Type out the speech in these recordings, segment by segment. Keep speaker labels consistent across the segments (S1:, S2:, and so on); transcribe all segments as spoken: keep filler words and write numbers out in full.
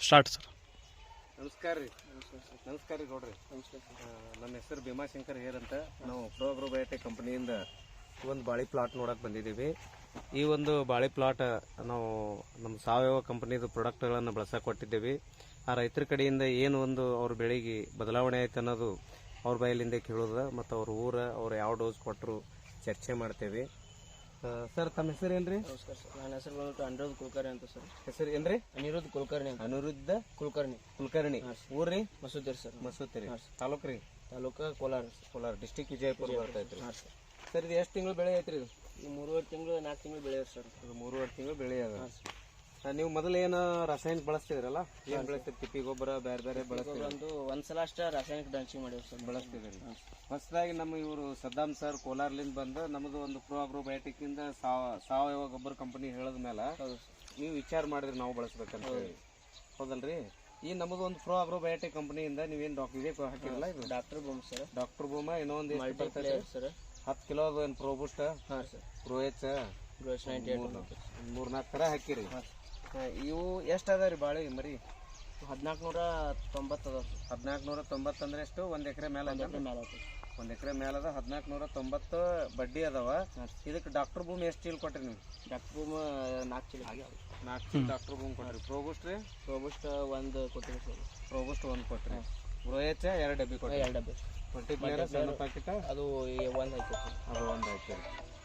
S1: Start sir.
S2: ನಮಸ್ಕಾರ ರೀ. ನಮಸ್ಕಾರ ರೀ ನೋಡ್ರಿ. ನಮಸ್ಕಾರ. ನಮ್ಮ ಹೆಸರು ಭೀಮಾಶಂಕರ್ ಹೇರ್ ಅಂತ. ನಾವು ಪ್ರೋ ಅಗ್ರೋ ಬಯೋಟೆಕ್ ಕಂಪನಿಯಿಂದ ಒಂದು ಬಾಳೆ ಪ್ಲಾಟ್ ನೋಡಕ್ಕೆ ಬಂದಿದ್ದೀವಿ. ಈ ಒಂದು ಬಾಳೆ ಪ್ಲಾಟ್ ನಾವು ನಮ್ಮ ಸಾವಯವ ಕಂಪನಿದು ಪ್ರಾಡಕ್ಟ್ಗಳನ್ನು ಬಳಸಕ್ಕೆ ಕೊಟ್ಟಿದ್ದೇವೆ. ಆ ರೈತರ ಕಡೆಯಿಂದ ಏನು ಒಂದು ಅವ್ರ ಬೆಳೆಗೆ ಬದಲಾವಣೆ ಆಯ್ತು ಅನ್ನೋದು ಅವ್ರ ಬಾಯಲ್ಲಿಂದ ಕೇಳೋದು ಮತ್ತು ಅವ್ರ ಊರ ಅವ್ರು ಯಾವ ಡೋಸ್ ಕೊಟ್ಟರು ಚರ್ಚೆ ಮಾಡ್ತೇವೆ. ಸರ್ ತಮ್ಮ ಹೆಸರು ಏನ್ರಿ?
S3: ನಮಸ್ಕಾರ ಸರ್, ನನ್ನ ಹೆಸರು ಬಂದ್ಬಿಟ್ಟು ಅನಿರುದ್ಧ ಕುಲಕರ್ಣಿ ಅಂತ ಸರ್.
S2: ಹೆಸರು ಏನ್ರಿ?
S3: ಅನಿರುದ್ಧ ಕುಲಕರ್ಣಿ ಅಂತ.
S2: ಅನಿರುದ್ಧ
S3: ಕುಲಕರ್ಣಿ
S2: ಕುಲಕರ್ಣಿ. ಊರ್ರಿ?
S3: ಮಸೂತಿರಿ ಸರ್.
S2: ಮಸೂತಿರಿ. ತಾಲೂಕು ರೀ?
S3: ತಾಲೂಕು ಕೋಲಾರ.
S2: ಕೋಲಾರ ಡಿಸ್ಟಿಕ್ ವಿಜಯಪುರ ಬರ್ತೈತ್ರಿ.
S3: ಹಾಂ ಸರ್.
S2: ಸರ್ ಇದು ಎಷ್ಟು ತಿಂಗಳು ಬೆಳೆ ಐತ್ರಿ ಇದು?
S3: ಈ ಮೂರುವರೆ ತಿಂಗಳು ನಾಲ್ಕು ತಿಂಗಳು ಬೆಳೆಯೋದು ಸರ್.
S2: ಇದು ಮೂರುವರೆ ತಿಂಗಳು ಬೆಳೆ ಅದ.
S3: ಹಾಂ ಸರ್.
S2: ನೀವು ಮೊದಲು ಏನು ರಾಸಾಯನಿಕ ಬಳಸ್ತಿದ್ರಲ್ಲ, ಏನು ಬೆಳೆಸ್ತೀರಿ? ತಿಪ್ಪಿ ಗೊಬ್ಬರ ಬೇರೆ ಬೇರೆ ಬಳಸ್ತೀವಿ.
S3: ಒಂದು ಒಂದ್ಸಲ ಅಷ್ಟೇ ರಾಸಾಯನಿಕ ಡ್ರಂಚಿಂಗ್ ಮಾಡಿವಿ ಸರ್.
S2: ಬಳಸ್ತಿದ್ರಿ. ಹೊಸದಾಗಿ ನಮ್ಮ ಇವರು ಸದ್ದಾಮ್ ಸರ್ ಕೋಲಾರ್ಲಿಂದ ಬಂದು ನಮ್ಮದು ಒಂದು ಪ್ರೋ ಅಗ್ರೋ ಬಯೋಟೆಕ್ ಇಂದ ಸಾವಯವ ಗೊಬ್ಬರ ಕಂಪನಿ ಹೇಳಿದ ಮೇಲೆ ನೀವು ವಿಚಾರ ಮಾಡಿದ್ರಿ ನಾವು ಬಳಸ್ಬೇಕಂತ ಹೇಳಿ, ಹೌದಲ್ರಿ? ಈ ನಮ್ಮದು ಒಂದು ಪ್ರೋ ಅಗ್ರೋ ಬಯೋಟೆಕ್ ಕಂಪನಿಯಿಂದ ನೀವೇನು ಡಾಕ್ಟರ್ ಇದೇ ಹಾಕಿರಲ್ಲ, ಇದು
S3: doctor boom sir.
S2: Doctor boom ಇನ್ನೊಂದು
S3: ಸರ್
S2: ಹತ್ತು ಕಿಲೋ ಅದು ಏನು ಪ್ರೋಬೂಸ್ಟ್,
S3: ಹಾಂ sir,
S2: pro H
S3: ninety eight
S2: ಮೂರ್ನಾಲ್ಕು ಥರ ಹಾಕಿರಿ. ಇವು ಎಷ್ಟು ಅದ ರೀ ಬಾಳೆ ಮರಿ?
S3: ಹದಿನಾಲ್ಕು ನೂರ ತೊಂಬತ್ತು ಅದ.
S2: ಹದಿನಾಲ್ಕು ನೂರ ತೊಂಬತ್ತು ಅಂದ್ರೆ ಎಷ್ಟು? ಒಂದು ಎಕರೆ ಮೇಲೆ ಅದ.
S3: ಮೇಲೆ ಆಗ್ತದೆ.
S2: ಒಂದು ಎಕರೆ ಮೇಲೆ ಅದ. ಹದಿನಾಲ್ಕು ನೂರ ತೊಂಬತ್ತು ಬಡ್ಡಿ ಅದಾವ. ಇದಕ್ಕೆ ಡಾಕ್ಟರ್ ಬೂಮ್ ಎಷ್ಟು ಚೀಲ ಕೊಟ್ರಿ ನೀವು?
S3: ಡಾಕ್ಟರ್ ಬೂಮ್ ನಾಲ್ಕು ಚೀಲ
S2: ನಾಲ್ಕು ಚೀಲ ಡಾಕ್ಟರ್ ಬೂಮ್ ಕೊಟ್ರಿ. ಪ್ರೋಬೂಸ್ಟ್ ರೀ?
S3: ಪ್ರೋಬೂಸ್ಟ್ ಒಂದು ಕೊಟ್ಟಿರಿ ಸರ್.
S2: ಪ್ರೋಬೂಸ್ಟ್ ಒಂದು ಕೊಟ್ರಿ. ಬ್ರೋಯಚ್ ಎರಡು ಡಬ್ಬಿ ಕೊಟ್ರಿ.
S3: ಎರಡು ಡಬ್ಬಿ.
S2: ಮಲ್ಟಿಪ್ಲೇಯರ್ ಸಣ್ಣ ಪ್ಯಾಕೆಟ್
S3: ಅದು ಒಂದು ಹಾಕಿ
S2: ಅದು ಒಂದು ಹಾಕಿ.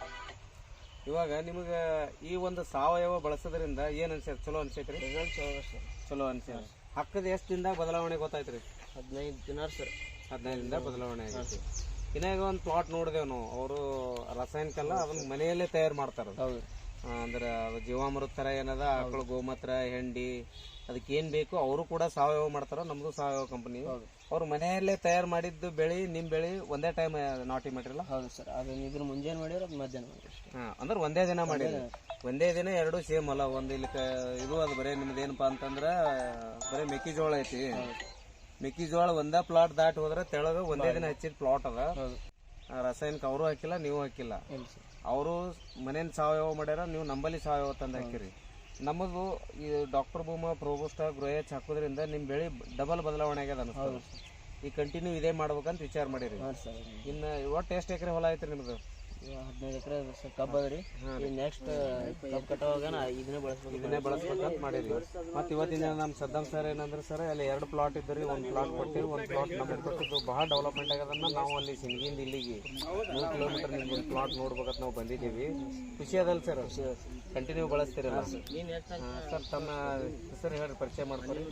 S2: ಇವಾಗ ನಿಮಗೆ ಈ ಒಂದು ಸಾವಯವ ಬಳಸೋದ್ರಿಂದ ಏನು ಅನ್ಸೈತೆ? ಚಲೋ ಅನ್ಸೈತ್ರಿ?
S3: ರಿಸಲ್ಟ್ ಚಲೋ ಸರ್.
S2: ಚಲೋ ಅನ್ಸೈತೆ. ಹಾಕದ ಎಷ್ಟು ದಿನದಾಗ ಬದಲಾವಣೆ ಗೊತ್ತಾಯ್ತು?
S3: ಹದಿನೈದು ದಿನ ಸರ್.
S2: ಹದಿನೈದು ದಿನದಾಗ ಬದಲಾವಣೆ ಆಗೈತಿ. ಇನ್ನಾಗ ಒಂದು ಪ್ಲಾಟ್ ನೋಡಿದೆವು ನಾವು, ಅವರು ರಾಸಾಯನಿಕ ಅಲ್ಲ, ಅದನ್ನ ಮನೆಯಲ್ಲೇ ತಯಾರು ಮಾಡ್ತಾರೆ.
S3: ಹೌದು.
S2: ಅಂದ್ರೆ ಅದು ಜೀವಾಮೃತ ಥರ ಏನದ, ಆಕಳು ಗೋಮೂತ್ರ, ಹೆಂಡಿ, ಅದಕ್ಕೆ ಏನು ಬೇಕು ಅವರು ಕೂಡ ಸಾವಯವ ಮಾಡ್ತಾರ. ನಮ್ದು ಸಾವಯವ ಕಂಪನಿ. ಅವ್ರು ಮನೆಯಲ್ಲೇ ತಯಾರು ಮಾಡಿದ್ದು ಬೆಳೆ ನಿಮ್ಮ ಬೆಳೆ ಒಂದೇ ಟೈಮ್ ನಾಟಿ ಮಾಡಿರಲ್ಲ?
S3: ಹೌದು ಸರ್. ಅದು ಇದ್ರ ಮುಂಜಾನೆ ಮಾಡಿದ್ರೆ ಅದು ಮಧ್ಯಾಹ್ನ ಮಾಡಿರಿ.
S2: ಹಾಂ, ಅಂದ್ರೆ ಒಂದೇ ದಿನ ಮಾಡಿರಿ. ಒಂದೇ ದಿನ ಎರಡು ಸೇಮ್ ಅಲ್ಲ. ಒಂದು ಇಲ್ಲಿ ಇದು ಅದು ಬರೀ ನಿಮ್ದು ಏನಪ್ಪಾ ಅಂತಂದ್ರೆ ಬರೀ ಮೆಕ್ಕೆಜೋಳ ಐತಿ. ಮೆಕ್ಕೆಜೋಳ ಒಂದೇ ಪ್ಲಾಟ್ ದಾಟಿ ಹೋದ್ರೆ ತೆಳಗ ಒಂದೇ ದಿನ ಹಚ್ಚಿದ ಪ್ಲಾಟ್ ಅದ. ರಾಸಾಯನಿಕ ಅವರು ಹಾಕಿಲ್ಲ, ನೀವು ಹಾಕಿಲ್ಲ. ಅವರು ಮನೇನ ಸಾವಯವ ಮಾಡ್ಯಾರ, ನೀವು ನಂಬಲ್ಲಿ ಸಾವಯವ ತಂದು ಹಾಕಿರಿ. ನಮ್ಮದು ಈ ಡಾಕ್ಟರ್ ಬೂಮ, ಪ್ರೋಬೂಸ್ಟ್, ಗ್ರೋಯಚ್ ಹಾಕೋದ್ರಿಂದ ನಿಮ್ಮ ಬೆಳೆ ಡಬಲ್ ಬದಲಾವಣೆ ಆಗ್ಯದ ಅನಿಸ್ತದೆ. ಈ ಕಂಟಿನ್ಯೂ ಇದೇ ಮಾಡ್ಬೇಕಂತ ವಿಚಾರ ಮಾಡಿರಿ. ಇನ್ನು ಒಟ್ಟು ಎಷ್ಟು ಎಕರೆ ಹೊಲ ಐತ್ರಿ ನಿಮ್ದು?
S3: ಹದಿನೈದು ಎಕರೆ ಕಬ್ಬು ಅದ ರೀ. ನೆಕ್ಸ್ಟ್ ಕಬ್ಬು ಕಟ್ಟೋವಾಗ ಇದನ್ನೇ ಬಳಸ್ಬೇಕು
S2: ಇದನ್ನೇ ಬಳಸ್ಬೇಕಂತ ಮಾಡಿರಿ. ಮತ್ತು ಇವತ್ತಿನ ನಮ್ಮ ಸದ್ದಾಮ್ ಸರ್ ಏನಂದ್ರೆ ಸರ್ ಅಲ್ಲಿ ಎರಡು ಪ್ಲಾಟ್ ಇದ್ರಿ, ಒಂದು ಪ್ಲಾಟ್ ಕೊಟ್ಟಿವಿ, ಒಂದು ಪ್ಲಾಟ್ ನಮಗೆ ಕೊಟ್ಟಿದ್ದು ಭಾಳ ಡೆವಲಪ್ಮೆಂಟ್ ಆಗ್ಯದನ್ನ ನಾವು ಅಲ್ಲಿ ಸಿಂಗಿಂದ ಇಲ್ಲಿಗೆ ಮೂರು ಕಿಲೋಮೀಟರ್ ನಿಮ್ಗೆ ಒಂದು ಪ್ಲಾಟ್ ನೋಡ್ಬೇಕಂತ ನಾವು ಬಂದಿದ್ದೀವಿ. ಖುಷಿ ಅದಲ್ಲ ಸರ್? Continue ಬಳಸ್ತೀರಲ್ಲ sir? ತಮ್ಮ ಹೆಸರು ಹೇಳ್ರಿ, ಪರಿಚಯ ಮಾಡ್ಕೊರಿ.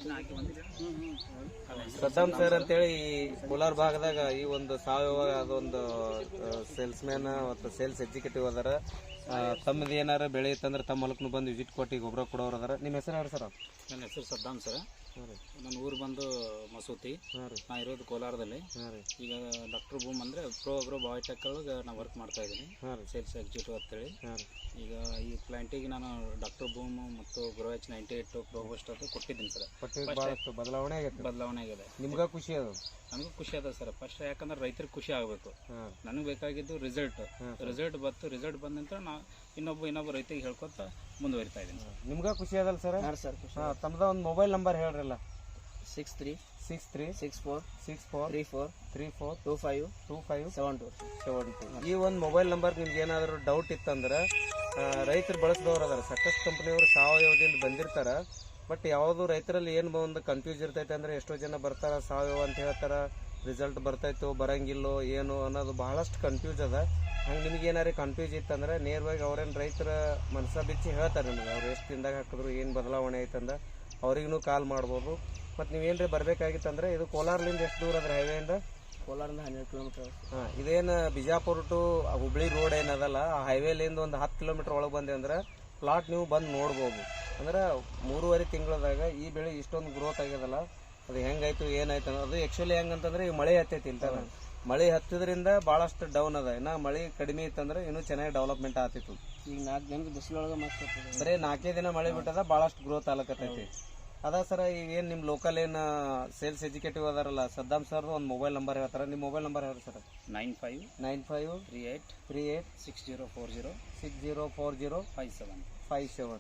S2: ಸದ್ದಾಮ್ ಸರ್ ಅಂತೇಳಿ ಈ ಕೋಲಾರ ಭಾಗದಾಗ ಈ ಒಂದು ಸಾವಯವ ಅದೊಂದು ಸೇಲ್ಸ್ ಮ್ಯಾನ್ ಮತ್ತು ಸೇಲ್ಸ್ ಎಕ್ಸಿಕ್ಯೂಟಿವ್ ಅದಾರ. ತಮ್ಮದು ಏನಾರ ಬೆಳೆ ಇತ್ತಂದ್ರೆ ತಮ್ಮ ಹೊಲಕ್ಕೂ ಬಂದು ವಿಸಿಟ್ ಕೊಟ್ಟು ಗೊಬ್ಬರ ಕೊಡೋರು ಅದಾರ. ನಿಮ್ಮ ಹೆಸರು ಹೇಳ್ರಿ ಸರ್?
S4: ನನ್ನ ಹೆಸರು ಸದ್ದಾಮ್ ಸರ್. ನನ್ನ ಊರು ಬಂದು ಮಸೂತಿ. ನಾ ಇರೋದು ಕೋಲಾರದಲ್ಲಿ. ಈಗ ಡಾಕ್ಟರ್ ಬೂಮ್ ಅಂದರೆ ಪ್ರೋ ಅಗ್ರೋ ಬಯೋಟೆಕ್ ಒಳಗೆ ನಾನು ವರ್ಕ್ ಮಾಡ್ತಾ ಇದ್ದೀನಿ, ಸೇಲ್ಸ್ ಎಕ್ಸಿಕ್ಯೂಟಿವ್ ಅಂತೇಳಿ. ಈಗ ಈ ಪ್ಲಾಂಟಿಗೆ ನಾನು ಡಾಕ್ಟರ್ ಬೂಮ್ ಮತ್ತು grow H ninety eight pro boost ಅದು ಕೊಟ್ಟಿದ್ದೀನಿ ಸರ್.
S2: ಭಾಳಷ್ಟು ಬದಲಾವಣೆ ಆಗೈತೆ.
S4: ಬದಲಾವಣೆ ಆಗಿದೆ.
S2: ನಿಮ್ಗೆ ಖುಷಿ ಅದ?
S4: ನನಗೂ ಖುಷಿ ಅದ ಸರ್. ಫಸ್ಟ್ ಯಾಕಂದ್ರೆ ರೈತರಿಗೆ ಖುಷಿ ಆಗಬೇಕು. ನನಗೆ ಬೇಕಾಗಿದ್ದು ರಿಸಲ್ಟ್. ರಿಸಲ್ಟ್ ಬಂತು. ರಿಸಲ್ಟ್ ಬಂದ ನಂತರ ನಾ ಇನ್ನೊಬ್ಬ ಇನ್ನೊಬ್ಬ ರೈತರಿಗೆ ಹೇಳ್ಕೊತ ಮುಂದುವರಿತಾ ಇದ್ದೀನಿ.
S2: ನಿಮ್ಗೆ ಖುಷಿ ಅದಲ್ಲ ಸರ್?
S3: ಹಾಂ ಸರ್.
S2: ಹಾಂ, ತಮ್ಮದ ಒಂದು ಮೊಬೈಲ್ ನಂಬರ್ ಹೇಳ್ರಲ್ಲ.
S3: Six three
S2: six three
S3: six four
S2: six four
S3: three four
S2: three four
S3: two five
S2: two five
S3: seven two
S2: seven two ಈ ಒಂದು ಮೊಬೈಲ್ ನಂಬರ್ ನಿಮ್ಗೆ ಏನಾದರೂ ಡೌಟ್ ಇತ್ತಂದ್ರೆ ರೈತರು ಬಳಸಿದವ್ರು ಅದಾರ. ಸಾಕಷ್ಟು ಕಂಪ್ನಿಯವರು ಸಾವಯವದಿಂದ ಬಂದಿರ್ತಾರೆ. ಬಟ್ ಯಾವುದು ರೈತರಲ್ಲಿ ಏನು ಒಂದು ಕನ್ಫ್ಯೂಸ್ ಇರ್ತೈತೆ ಅಂದರೆ ಎಷ್ಟೋ ಜನ ಬರ್ತಾರ ಸಾವಯವ ಅಂತ ಹೇಳ್ತಾರೆ, ರಿಸಲ್ಟ್ ಬರ್ತೈತೋ ಬರಂಗಿಲ್ಲೋ ಏನು ಅನ್ನೋದು ಬಹಳಷ್ಟು ಕನ್ಫ್ಯೂಸ್ ಅದ. ಹಂಗೆ ನಿಮ್ಗೆ ಏನಾರು ಕನ್ಫ್ಯೂಸ್ ಇತ್ತಂದ್ರೆ ನೇರವಾಗಿ ಅವ್ರೇನು ರೈತರ ಮನಸ್ಸ ಬಿಚ್ಚಿ ಹೇಳ್ತಾರೆ ನಿಮ್ಗೆ, ಅವ್ರು ಎಷ್ಟು ದಿನದಾಗ ಹಾಕಿದ್ರು ಏನು ಬದಲಾವಣೆ ಐತಂದ್ರೆ ಅವ್ರಿಗೂ ಕಾಲ್ ಮಾಡ್ಬೋದು. ಮತ್ತು ನೀವೇನ್ರಿ ಬರಬೇಕಾಗಿತ್ತಂದ್ರೆ ಇದು ಕೋಲಾರ್ಲಿಂದ ಎಷ್ಟು ದೂರ ಅದ್ರ ಹೈವೇಯಿಂದ?
S3: ಕೋಲಾರಿಂದ ಹನ್ನೆರಡು ಕಿಲೋಮೀಟರ್.
S2: ಹಾಂ, ಇದೇನು ಬಿಜಾಪುರ ಟು ಹುಬ್ಳಿ ರೋಡ್ ಏನದಲ್ಲ, ಆ ಹೈವೇಲಿಂದ ಒಂದು ಹತ್ತು ಕಿಲೋಮೀಟರ್ ಒಳಗೆ ಬಂದೆ ಅಂದ್ರೆ ಪ್ಲಾಟ್ ನೀವು ಬಂದು ನೋಡ್ಬೋದು. ಅಂದ್ರೆ ಮೂರುವರೆ ತಿಂಗಳದಾಗ ಈ ಬೆಳೆ ಇಷ್ಟೊಂದು ಗ್ರೋತ್ ಆಗ್ಯದಲ್ಲ, ಅದು ಹೆಂಗಾಯ್ತು ಏನಾಯ್ತು ಅನ್ನೋದು. ಆ್ಯಕ್ಚುಲಿ ಹೆಂಗಂತಂದ್ರೆ ಈಗ ಮಳೆ ಹತ್ತೈತಿ ಇಲ್ಲ, ಮಳೆ ಹತ್ತಿದ್ರಿಂದ ಭಾಳಷ್ಟು ಡೌನ್ ಅದ. ಇನ್ನು ಮಳೆ ಕಡಿಮೆ ಇತ್ತಂದ್ರೆ ಇನ್ನೂ ಚೆನ್ನಾಗಿ ಡೆವಲಪ್ಮೆಂಟ್ ಆಗ್ತಿತ್ತು.
S3: ಈಗ ನಾಲ್ಕು ದಿನದ ಬಿಸಿಲೊಳಗೆ ಮತ್ತೆ
S2: ಬರೀ ನಾಲ್ಕೇ ದಿನ ಮಳೆ ಬಿಟ್ಟದ, ಭಾಳಷ್ಟು ಗ್ರೋತ್ ಆಗ್ಲಕತ್ತೈತಿ. ಅದ ಸರ ಈಗ ಏನು ನಿಮ್ಮ ಲೋಕಲ್ ಏನು ಸೇಲ್ಸ್ ಎಕ್ಸಿಕ್ಯೂಟಿವ್ ಅದಾರಲ್ಲ ಸದ್ದಾಮ್ ಸರ್ದು ಒಂದು ಮೊಬೈಲ್ ನಂಬರ್ ಹೇಳ್ತಾರೆ. ನಿಮ್ಮ ಮೊಬೈಲ್ ನಂಬರ್ ಹೇಳ್ರಿ sir?
S4: Nine five
S2: nine five
S4: three eight
S2: three eight
S4: six zero four zero
S2: six zero four zero
S4: five seven
S2: five seven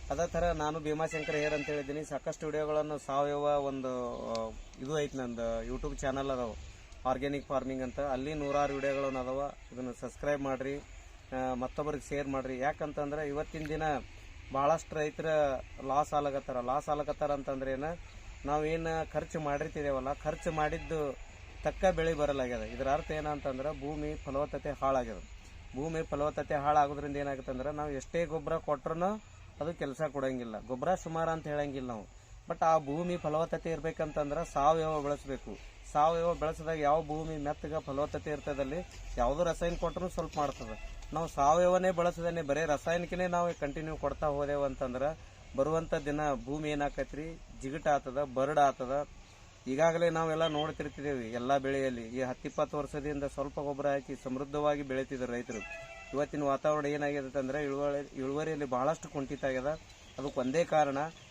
S2: ಅದೇ ಥರ ನಾನು ಭೀಮಾಶಂಕರ್ ಹೇರ್ ಅಂತ ಹೇಳಿದ್ದೀನಿ. ಸಾಕಷ್ಟು ವಿಡಿಯೋಗಳನ್ನು ಸಾವಯವ ಒಂದು ಇದು ಐತಿ, ನಂದು ಯೂಟ್ಯೂಬ್ ಚಾನಲ್ ಅದಾವ ಆರ್ಗ್ಯಾನಿಕ್ ಫಾರ್ಮಿಂಗ್ ಅಂತ. ಅಲ್ಲಿ ನೂರಾರು ವಿಡಿಯೋಗಳನ್ನು ಅದಾವ. ಇದನ್ನು ಸಬ್ಸ್ಕ್ರೈಬ್ ಮಾಡಿರಿ, ಮತ್ತೊಬ್ಬರಿಗೆ ಶೇರ್ ಮಾಡಿರಿ. ಯಾಕಂತಂದ್ರೆ ಇವತ್ತಿನ ದಿನ ಭಾಳಷ್ಟು ರೈತರ ಲಾಸ್ ಆಲಕತ್ತಾರ. ಲಾಸ್ ಆಲಕತ್ತಾರ ಅಂತಂದ್ರೆ ಏನು, ನಾವೇನು ಖರ್ಚು ಮಾಡಿರ್ತಿದ್ದೇವಲ್ಲ, ಖರ್ಚು ಮಾಡಿದ್ದು ತಕ್ಕ ಬೆಳೆ ಬರಲಾಗ್ಯದ. ಇದರ ಅರ್ಥ ಏನಂತಂದ್ರೆ ಭೂಮಿ ಫಲವತ್ತತೆ ಹಾಳಾಗ್ಯದ. ಭೂಮಿ ಫಲವತ್ತತೆ ಹಾಳಾಗೋದ್ರಿಂದ ಏನಾಗುತ್ತೆ ಅಂದ್ರೆ ನಾವು ಎಷ್ಟೇ ಗೊಬ್ಬರ ಕೊಟ್ರೂ ಅದು ಕೆಲಸ ಕೊಡೋಂಗಿಲ್ಲ. ಗೊಬ್ಬರ ಸುಮಾರು ಅಂತ ಹೇಳಂಗಿಲ್ಲ ನಾವು. ಬಟ್ ಆ ಭೂಮಿ ಫಲವತ್ತತೆ ಇರ್ಬೇಕಂತಂದ್ರೆ ಸಾವಯವ ಬೆಳೆಸಬೇಕು. ಸಾವಯವ ಬೆಳೆಸಿದಾಗ ಯಾವ ಭೂಮಿ ಮೆತ್ತಗ ಫಲವತ್ತತೆ ಇರ್ತದಲ್ಲಿ ಯಾವುದೋ ರಸಾಯನ ಕೊಟ್ಟರು ಸ್ವಲ್ಪ ಮಾಡ್ತದೆ. ನಾವು ಸಾವಯವನೇ ಬಳಸದೇನೆ ಬರೀ ರಾಸಾಯನಿಕನೇ ನಾವು ಕಂಟಿನ್ಯೂ ಕೊಡ್ತಾ ಹೋದೆವು ಅಂತಂದ್ರೆ ಬರುವಂಥ ದಿನ ಭೂಮಿ ಏನಾಕೈತ್ರಿ, ಜಿಗಟ್ ಆಗ್ತದ, ಬರ್ಡ್ ಆಗ್ತದ. ಈಗಾಗಲೇ ನಾವೆಲ್ಲ ನೋಡ್ತಿರ್ತಿದ್ದೇವೆ ಎಲ್ಲ ಬೆಳೆಯಲ್ಲಿ. ಈ ಹತ್ತಿಪ್ಪತ್ತು ವರ್ಷದಿಂದ ಸ್ವಲ್ಪ ಗೊಬ್ಬರ ಹಾಕಿ ಸಮೃದ್ಧವಾಗಿ ಬೆಳೀತಿದ್ರು ರೈತರು. ಇವತ್ತಿನ ವಾತಾವರಣ ಏನಾಗಿದೆ ಅಂದ್ರೆ ಇಳುವರಿ ಇಳುವರಿಯಲ್ಲಿ ಬಹಳಷ್ಟು ಕುಂಠಿತ ಆಗ್ಯದ. ಅದಕ್ಕೆ ಒಂದೇ ಕಾರಣ